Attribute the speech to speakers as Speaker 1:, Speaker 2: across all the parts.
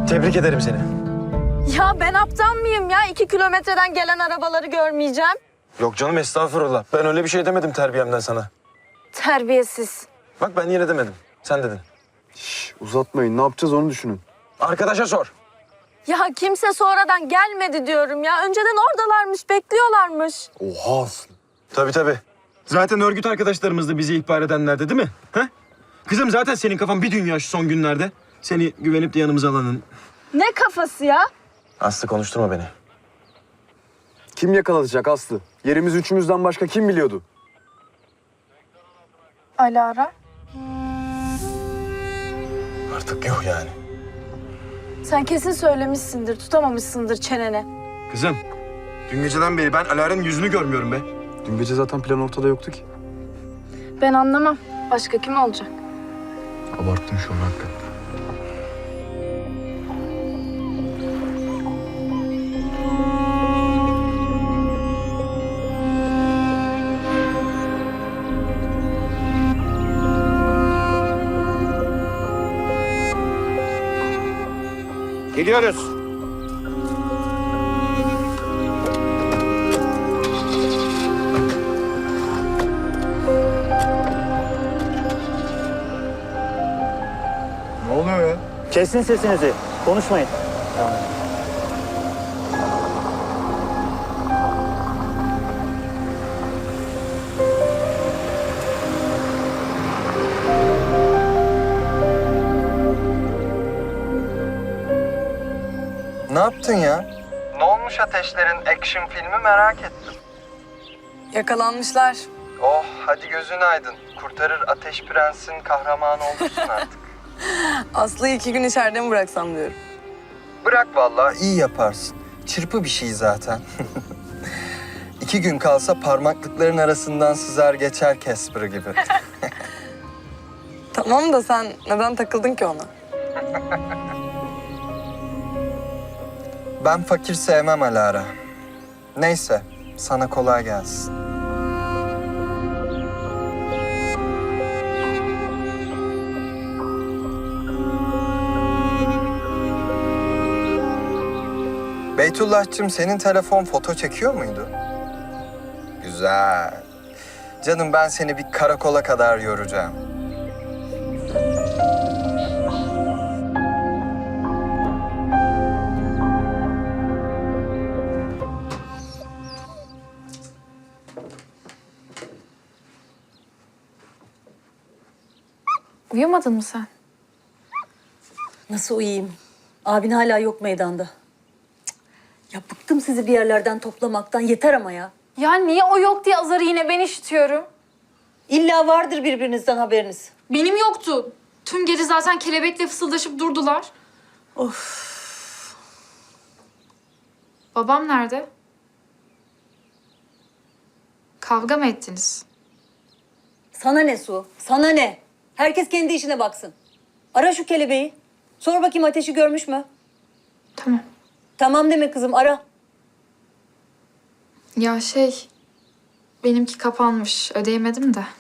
Speaker 1: Tebrik ederim seni.
Speaker 2: Ya ben aptal mıyım ya? 2 kilometreden gelen arabaları görmeyeceğim.
Speaker 1: Yok canım, estağfurullah. Ben öyle bir şey demedim terbiyemden sana.
Speaker 2: Terbiyesiz.
Speaker 1: Bak ben yine demedim. Sen dedin.
Speaker 3: Uzatmayın. Ne yapacağız onu düşünün.
Speaker 1: Arkadaşa sor.
Speaker 2: Ya kimse sonradan gelmedi diyorum ya. Önceden oradalarmış, bekliyorlarmış.
Speaker 3: Oha Aslı.
Speaker 1: Tabii. Zaten örgüt arkadaşlarımız da bizi ihbar edenlerdi değil mi? Ha? Kızım zaten senin kafan bir dünya şu son günlerde. Seni güvenip de yanımıza alanın.
Speaker 2: Ne kafası ya?
Speaker 1: Aslı konuşturma beni.
Speaker 3: Kim yakalatacak Aslı? Yerimiz üçümüzden başka kim biliyordu?
Speaker 2: Alara.
Speaker 1: Artık yok yani.
Speaker 2: Sen kesin söylemişsindir, tutamamışsındır çeneni.
Speaker 1: Kızım, dün geceden beri ben Alara'nın yüzünü görmüyorum be.
Speaker 3: Dün gece zaten plan ortada yoktu ki.
Speaker 2: Ben anlamam. Başka kim olacak?
Speaker 3: Abarttın şu an hakikaten.
Speaker 4: Gidiyoruz.
Speaker 3: Ne oluyor ya?
Speaker 4: Kesin sesinizi. Konuşmayın.
Speaker 5: Ne yaptın ya? Ne olmuş Ateşler'in action filmi merak ettim.
Speaker 6: Yakalanmışlar.
Speaker 5: Oh hadi gözün aydın. Kurtarır Ateş Prens'in kahramanı olursun artık.
Speaker 6: Aslı'yı 2 gün içeride mi bıraksam diyorum.
Speaker 5: Bırak vallahi iyi yaparsın. Çırpı bir şey zaten. 2 gün kalsa parmaklıkların arasından sızar geçer Casper gibi.
Speaker 6: Tamam da sen neden takıldın ki ona?
Speaker 5: Ben fakir sevmem Alara. Neyse sana kolay gelsin. Beytullah'cığım senin telefon foto çekiyor muydu? Güzel. Canım ben seni bir karakola kadar yoracağım.
Speaker 2: Uyumadın mı sen?
Speaker 7: Nasıl uyuyayım? Abin hala yok meydanda. Cık. Ya bıktım sizi bir yerlerden toplamaktan. Yeter ama ya.
Speaker 2: Ya niye o yok diye azarı yine ben işitiyorum?
Speaker 7: İlla vardır birbirinizden haberiniz.
Speaker 8: Benim yoktu. Tüm gece zaten kelebekle fısıldaşıp durdular.
Speaker 7: Of.
Speaker 8: Babam nerede? Kavga mı ettiniz?
Speaker 7: Sana ne Su? Sana ne? Herkes kendi işine baksın. Ara şu kelebeği. Sor bakayım Ateş'i görmüş mü?
Speaker 8: Tamam.
Speaker 7: Tamam deme kızım, ara.
Speaker 8: Ya benimki kapanmış. Ödeyemedim de.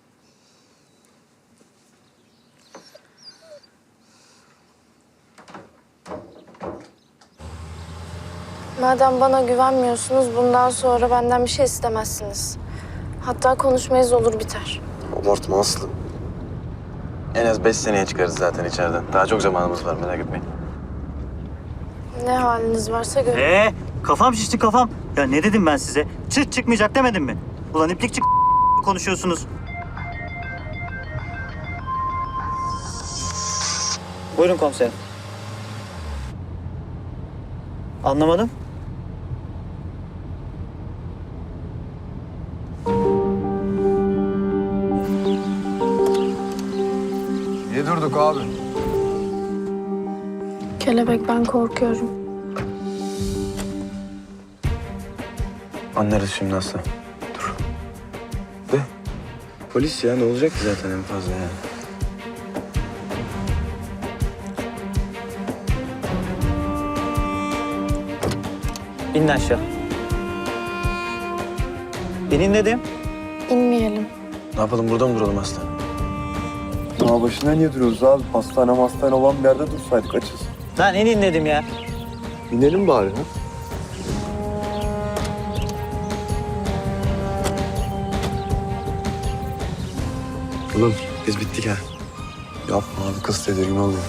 Speaker 2: Madem bana güvenmiyorsunuz, bundan sonra benden bir şey istemezsiniz. Hatta konuşmayız, olur biter.
Speaker 3: Abartma Aslı.
Speaker 1: En az 5 seneye çıkarız zaten içeriden. Daha çok zamanımız var, merak etmeyin.
Speaker 2: Ne haliniz varsa görün.
Speaker 4: Kafam şişti kafam. Ya ne dedim ben size? Çıt çıkmayacak demedim mi? Ulan iplik çık konuşuyorsunuz. Buyurun komiserim. Anlamadım.
Speaker 3: Niye durduk abi?
Speaker 2: Kelebek, ben korkuyorum.
Speaker 1: Anlarız şimdi Aslı. Dur. De. Polis ya, ne olacak ki zaten en fazla yani.
Speaker 4: İnin aşağı. İnin dedim.
Speaker 2: İnmeyelim.
Speaker 1: Ne yapalım, burada mı duralım Aslı?
Speaker 3: Dağ başında niye duruyoruz abi? Hastane olan bir yerde dursaydık açız.
Speaker 4: Lan inin dedim ya.
Speaker 3: İnelim bari ha.
Speaker 1: Oğlum biz bittik ha.
Speaker 3: Yapma abi, kız tedirgin oluyor.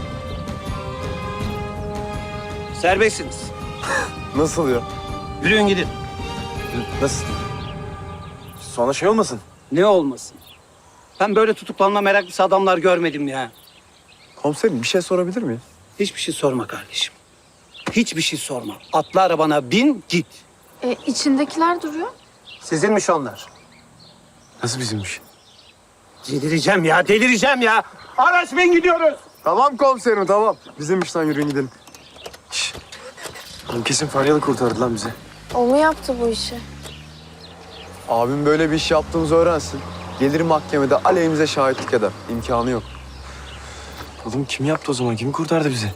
Speaker 9: Serbestsiniz.
Speaker 3: Nasıl ya?
Speaker 9: Yürüyün gidin.
Speaker 1: Nasıl? Sonra şey olmasın.
Speaker 9: Ne olmasın? Ben böyle tutuklanma meraklısı adamlar görmedim ya.
Speaker 3: Komiserim, bir şey sorabilir miyim?
Speaker 9: Hiçbir şey sorma kardeşim. Hiçbir şey sorma. Atla arabana bin git.
Speaker 2: İçindekiler duruyor.
Speaker 9: Sizinmiş onlar.
Speaker 1: Nasıl bizimmiş?
Speaker 9: Delireceğim ya, delireceğim ya. Araç bin gidiyoruz.
Speaker 3: Tamam komiserim, tamam. Bizim işten yürüyün gidelim.
Speaker 1: Oğlum kesin Faryalı kurtardı lan bizi.
Speaker 2: O mu yaptı bu işi?
Speaker 3: Abim böyle bir iş yaptığımızı öğrensin. Gelir mahkemede aleyhimize şahitlik eder. İmkanı yok.
Speaker 1: Oğlum kim yaptı o zaman? Kim kurtardı bizi?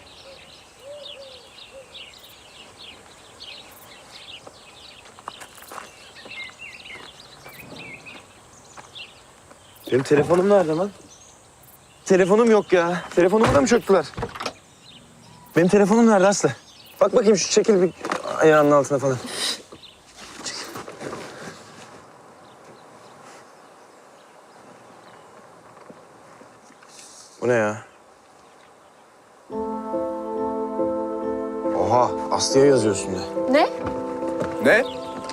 Speaker 1: Benim telefonum nerede lan? Telefonum yok ya. Telefonumu da mı çöktüler? Benim telefonum nerede Aslı? Bak bakayım şu çekil bir ayağının altına falan. Çekil. Bu ne ya? Oha, Aslı'ya yazıyorsun de.
Speaker 2: Ne?
Speaker 3: Ne?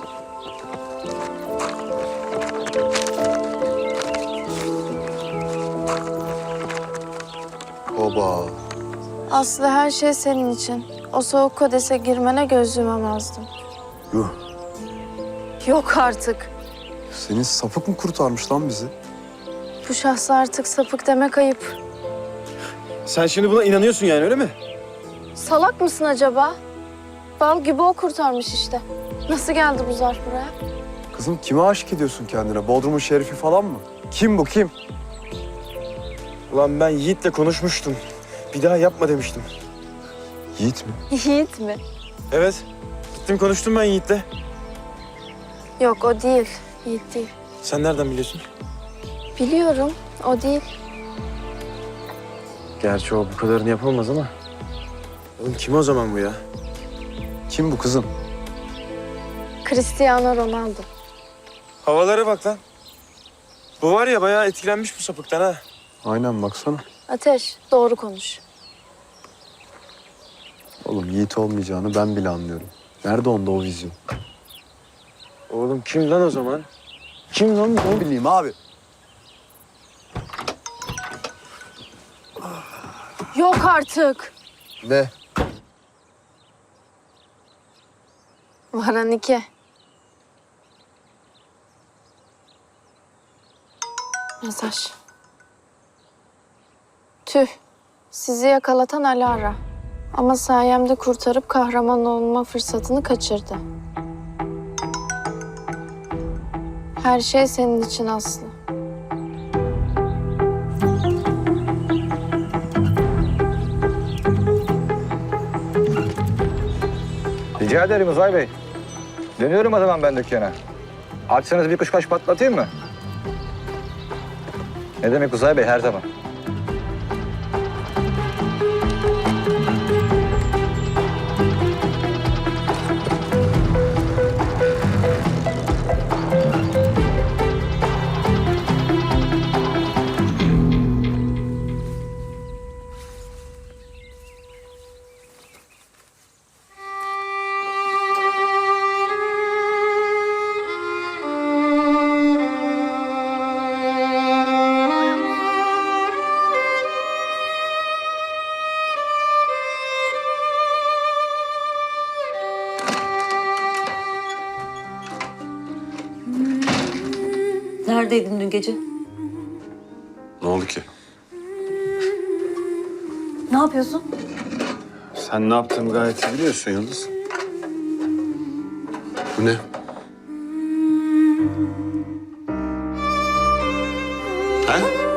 Speaker 3: Oba.
Speaker 2: Aslı her şey senin için. O soğuk kodese girmene göz yumamazdım.
Speaker 3: Yuh.
Speaker 2: Yok artık.
Speaker 3: Senin sapık mı kurtarmış lan bizi?
Speaker 2: Bu şahsa artık sapık demek ayıp.
Speaker 1: Sen şimdi buna inanıyorsun yani öyle mi?
Speaker 2: Salak mısın acaba? Bal gibi o kurtarmış işte. Nasıl geldi bu zarf buraya?
Speaker 3: Kızım, kime aşık ediyorsun kendine? Bodrum'un şerifi falan mı? Kim bu, kim?
Speaker 1: Ulan ben Yiğit'le konuşmuştum. Bir daha yapma demiştim.
Speaker 3: Yiğit mi?
Speaker 2: Yiğit mi?
Speaker 1: Evet. Gittim konuştum ben Yiğit'le.
Speaker 2: Yok o değil. Yiğit değil.
Speaker 1: Sen nereden biliyorsun?
Speaker 2: Biliyorum o değil.
Speaker 1: Gerçi o bu kadarını yapamaz ama. Oğlum kim o zaman bu ya?
Speaker 3: Kim bu kızım?
Speaker 2: Cristiano Ronaldo.
Speaker 1: Havalara bak lan. Bu var ya bayağı etkilenmiş bu sapıktan ha.
Speaker 3: Aynen, baksana.
Speaker 2: Ateş doğru konuş.
Speaker 3: Oğlum, Yiğit olmayacağını ben bile anlıyorum. Nerede onda o vizyon?
Speaker 1: Oğlum kim lan o zaman? Kim lan bu?
Speaker 3: Ne bileyim abi.
Speaker 2: Yok artık.
Speaker 3: Ne?
Speaker 2: Varan 2. Mesaj. Tüh. Sizi yakalatan Alara. Ama sayemde kurtarıp kahraman olma fırsatını kaçırdı. Her şey senin için Aslı.
Speaker 10: Rica ederim Uzay Bey. Dönüyorum o zaman ben dükkana. Açsanız bir kuşkaş patlatayım mı? Ne demek Uzay Bey, her zaman.
Speaker 7: Neredeydin dün gece?
Speaker 3: Ne oldu ki?
Speaker 7: Ne yapıyorsun?
Speaker 3: Sen ne yaptığımı gayet iyi biliyorsun Yıldız. Bu ne? Ha?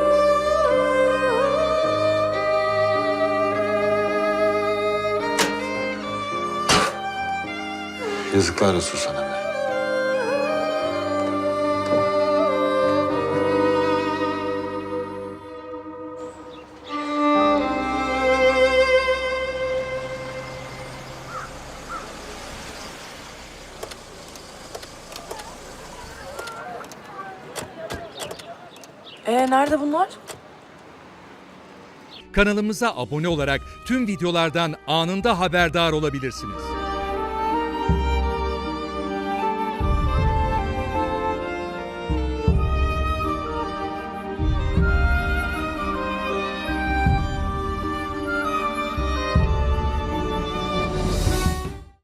Speaker 3: Yazıklar olsun sana be.
Speaker 6: Nerede bunlar?
Speaker 11: Kanalımıza abone olarak tüm videolardan anında haberdar olabilirsiniz.